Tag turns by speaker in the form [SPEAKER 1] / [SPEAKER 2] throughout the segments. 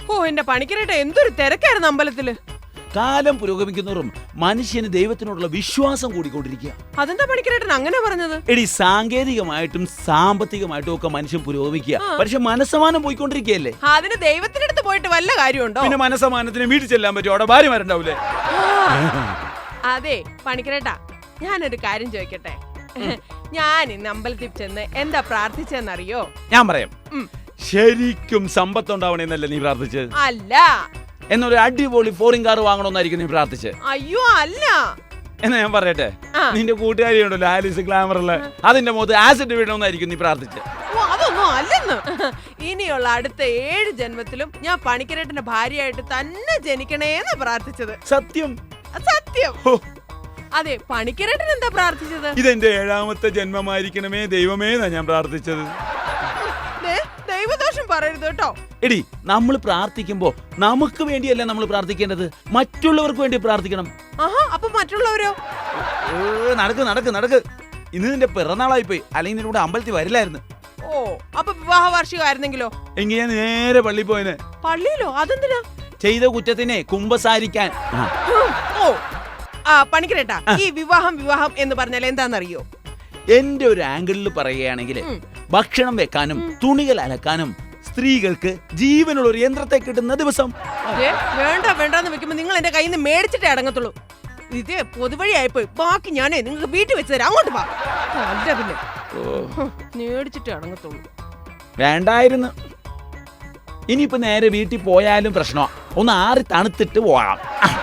[SPEAKER 1] ഓ എന്റെ പണിക്കരേട്ട എന്തൊരു തിരക്കായിരുന്നു അമ്പലത്തില്.
[SPEAKER 2] കാലം പുരോഗമിക്കുന്നവരും മനുഷ്യന് ദൈവത്തിനോടുള്ള വിശ്വാസം കൂടിക്കൊണ്ടിരിക്കുക.
[SPEAKER 1] അതെന്താ പണിക്കരേട്ടൻ അങ്ങനെ പറഞ്ഞത്?
[SPEAKER 2] എടി, സാങ്കേതികമായിട്ടും സാമ്പത്തികമായിട്ടും ഒക്കെ മനുഷ്യൻ പുരോഗമിക്കുക, പക്ഷെ മനസ്സമാനം പോയിക്കൊണ്ടിരിക്കുകയല്ലേ.
[SPEAKER 1] അതിന് ദൈവത്തിനടുത്ത് പോയിട്ട് വല്ല കാര്യമുണ്ടോ?
[SPEAKER 2] പിന്നെ മനസ്സമാനത്തിന് വീട്ടിൽ ചെല്ലാൻ പറ്റും, അവിടെ ഭാര്യമാരുണ്ടാവൂലേ?
[SPEAKER 1] അതെ പണിക്കരേട്ടാ, ഞാനൊരു കാര്യം ചോദിക്കട്ടെ. ഞാൻ ഇന്ന് അമ്പലത്തിൽ ചെന്ന് എന്താ പ്രാർത്ഥിച്ചെന്നറിയോ?
[SPEAKER 2] ഞാൻ പറയാം. ശരിക്കും സമ്പത്തുണ്ടാവണേന്നല്ലേ നീ പ്രാർത്ഥിച്ചത്?
[SPEAKER 1] അല്ല.
[SPEAKER 2] എന്നൊരു അടിപൊളി ഫോറിൻ കാർ വാങ്ങണമെന്നായിരിക്കും നീ പ്രാർത്ഥിച്ചത്?
[SPEAKER 1] അയ്യോ അല്ല.
[SPEAKER 2] എന്നാ ഞാൻ പറയട്ടെ, നിന്റെ കൂട്ടുകാരി ഉണ്ടല്ലോ ആലിസ് ഗ്ലാമറുള്ള, അതിന്റെ മുഖത്ത് ആസിഡ് വീഴണമെന്നായിരിക്കും നീ പ്രാർത്ഥിച്ചത്?
[SPEAKER 1] അതൊന്നും അല്ലെന്ന്. ഇനിയുള്ള അടുത്ത 7 ജന്മത്തിലും ഞാൻ പണിക്കരേട്ടന്റെ ഭാര്യയായിട്ട് തന്നെ ജനിക്കണേന്ന് പ്രാർത്ഥിച്ചത്.
[SPEAKER 2] സത്യം
[SPEAKER 1] സത്യം. അതെ, പണിക്കരേട്ടൻ എന്താ പ്രാർത്ഥിച്ചത്?
[SPEAKER 2] ഇതെന്റെ 7ാമത്തെ ജന്മമായിരിക്കണമേ ദൈവമേ എന്നാ ഞാൻ പ്രാർത്ഥിച്ചത്.
[SPEAKER 1] ദൈവദോഷം പറയരുത് കേട്ടോ.
[SPEAKER 2] എടി, നമ്മൾ പ്രാർത്ഥിക്കുമ്പോ നമുക്ക് വേണ്ടിയല്ല നമ്മൾ പ്രാർത്ഥിക്കേണ്ടത്, മറ്റുള്ളവർക്ക് വേണ്ടി പ്രാർത്ഥിക്കണം.
[SPEAKER 1] അപ്പൊ മറ്റുള്ളവരോ?
[SPEAKER 2] നടക്ക് നടക്ക് നടക്ക്. ഇന്ന് നിന്റെ പിറന്നാളായി പോയി, അല്ലെങ്കിൽ നിന്റെ കൂടെ അമ്പലത്തിൽ വരില്ലായിരുന്നു.
[SPEAKER 1] ഓ, അപ്പൊ വിവാഹ വാർഷികമായിരുന്നെങ്കിലോ?
[SPEAKER 2] എങ്കിൽ ഞാൻ നേരെ പള്ളി പോയനെ.
[SPEAKER 1] പള്ളിയിലോ? അതെന്തിനാ?
[SPEAKER 2] ചെയ്ത കുറ്റത്തിനെ കുമ്പസാരിക്കാൻ.
[SPEAKER 1] ഓ പണിക്കരേട്ടാ, ഈ വിവാഹം എന്ന് പറഞ്ഞാൽ എന്താണെന്നറിയോ?
[SPEAKER 2] എന്റെ ഒരു ആംഗിളിൽ പറയുകയാണെങ്കിൽ, ഭക്ഷണം വെക്കാനും തുണികൾ അലക്കാനും സ്ത്രീകൾക്ക് ജീവനുള്ള ഒരു യന്ത്രത്തെ കിട്ടുന്ന ദിവസം.
[SPEAKER 1] വേണ്ടെന്ന് വെക്കുമ്പോ നിങ്ങൾ എന്റെ കയ്യിൽ നിന്ന് മേടിച്ചിട്ടേ അടങ്ങത്തുള്ളൂ. ഇത് പൊതുവഴിയായിപ്പോയി. ബാക്കി ഞാനേ നിങ്ങൾക്ക് വീട്ടിൽ വെച്ച് തരാം, അങ്ങോട്ട് പോ. അല്ല പിന്നെ മേടിച്ചിട്ടേ അടങ്ങത്തുള്ളൂ.
[SPEAKER 2] വേണ്ടായിരുന്നു. ഇനിയിപ്പോ നേരെ വീട്ടിൽ പോയാലും പ്രശ്നമാ, ഒന്ന് ആറി തണുത്തിട്ട് പോകാം.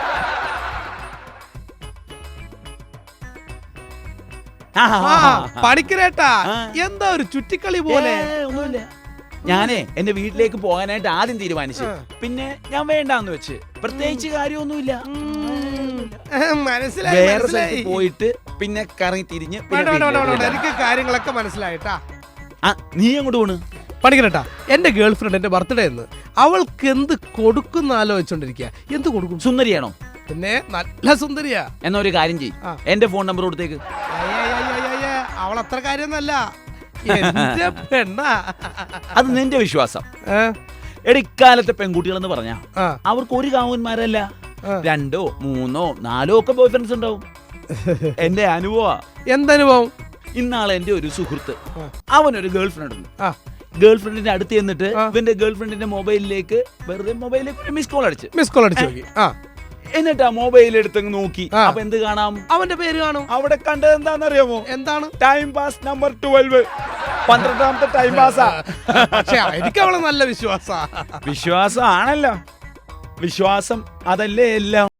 [SPEAKER 3] പണിക്കരേട്ടാ, എന്താ ഒരു ചുറ്റിക്കളി പോലെ?
[SPEAKER 2] ഒന്നുമില്ല. ഞാനേ എന്റെ വീട്ടിലേക്ക് പോകാനായിട്ട് ആദ്യം തീരുമാനിച്ചു, പിന്നെ ഞാൻ വേണ്ടാന്ന് വെച്ച്. പ്രത്യേകിച്ച് കാര്യമൊന്നുമില്ല. വേറെ സ്ഥലത്ത് പോയിട്ട് പിന്നെ കറങ്ങി തിരിഞ്ഞ്
[SPEAKER 3] എനിക്ക് കാര്യങ്ങളൊക്കെ മനസ്സിലായിട്ടാ.
[SPEAKER 2] നീ അങ്ങോട്ട് പോണ്?
[SPEAKER 3] പണിക്കരേട്ടാ, എന്റെ ഗേൾ ഫ്രണ്ട് എന്റെ ബർത്ത്ഡേ എന്ന് അവൾക്ക് എന്ത് കൊടുക്കുന്ന ആലോചിച്ചോണ്ടിരിക്കുക. എന്ത് കൊടുക്കും?
[SPEAKER 2] സുന്ദരിയാണോ?
[SPEAKER 3] പിന്നെ നല്ല സുന്ദരിയാ.
[SPEAKER 2] എന്നാ ഒരു കാര്യം ചെയ്യും, എന്റെ ഫോൺ നമ്പർ കൊടുത്തേക്ക്.
[SPEAKER 3] അവൾ അത്ര കാര്യമൊന്നല്ല, എന്റെ പെണ്ണാ.
[SPEAKER 2] അത് നിന്റെ വിശ്വാസം. എടിക്കാലത്തെ പെൺകുട്ടികളെന്ന് പറഞ്ഞാ അവർക്ക് ഒരു കാമുകന്മാരല്ല, 2, 3, 4 ഒക്കെ ബോയ് ഫ്രണ്ട്സ് ഉണ്ടാവും. എന്റെ അനുഭവ.
[SPEAKER 3] എന്തനുഭവം?
[SPEAKER 2] ഇന്നാളെ എന്റെ ഒരു സുഹൃത്ത്, അവനൊരു ഗേൾ ഫ്രണ്ട് ഉണ്ട്. ഗേൾ ഫ്രണ്ടിന്റെ അടുത്ത് ചെന്നിട്ട് ഇവന്റെ ഗേൾ ഫ്രണ്ടിന്റെ മൊബൈലിലേക്ക് വെറുതെ മിസ് കോൾ അടിച്ചു. എന്നിട്ട് ആ മൊബൈൽ എടുത്തങ്ങ് നോക്കി. അപ്പൊ എന്ത് കാണാം?
[SPEAKER 3] അവന്റെ പേര് കാണും.
[SPEAKER 2] അവിടെ കണ്ടത് എന്താണെന്നറിയാമോ?
[SPEAKER 3] എന്താണ്?
[SPEAKER 2] Time pass number 12. 12ാമത്തെ ടൈം പാസാ.
[SPEAKER 3] പക്ഷെ എനിക്ക് അവളെ നല്ല വിശ്വാസമാണല്ലോ.
[SPEAKER 2] വിശ്വാസം അതല്ലേ എല്ലാം.